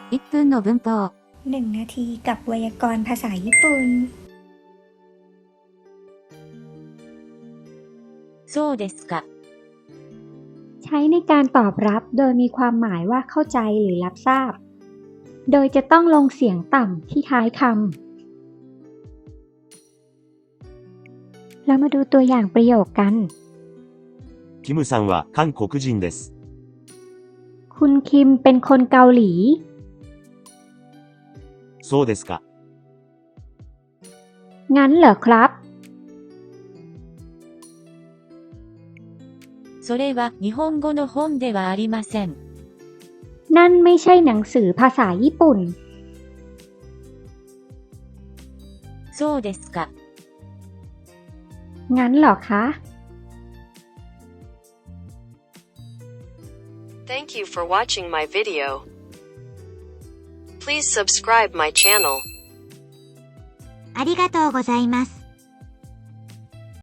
1分の文法 1 นาทีกับไวยากรณ์ภาษาญี่ปุ่นそうですかใช้ในการตอบรับโดยมีความหมายว่าเข้าใจหรือรับทราบโดยจะต้องลงเสียงต่ำที่ท้ายคำเรามาดูตัวอย่างประโยคกันキムさんは韓国人です。 คุณคิมเป็นคนเกาหลีそうですか。 งั้นเหรอครับそれは日本語の本ではありません。 นั่นไม่ใช่หนังสือภาษาญี่ปุ่นそうですかงั้นเหรอคะ Thank you for watching my video. Please subscribe my channel. ありがとうございます。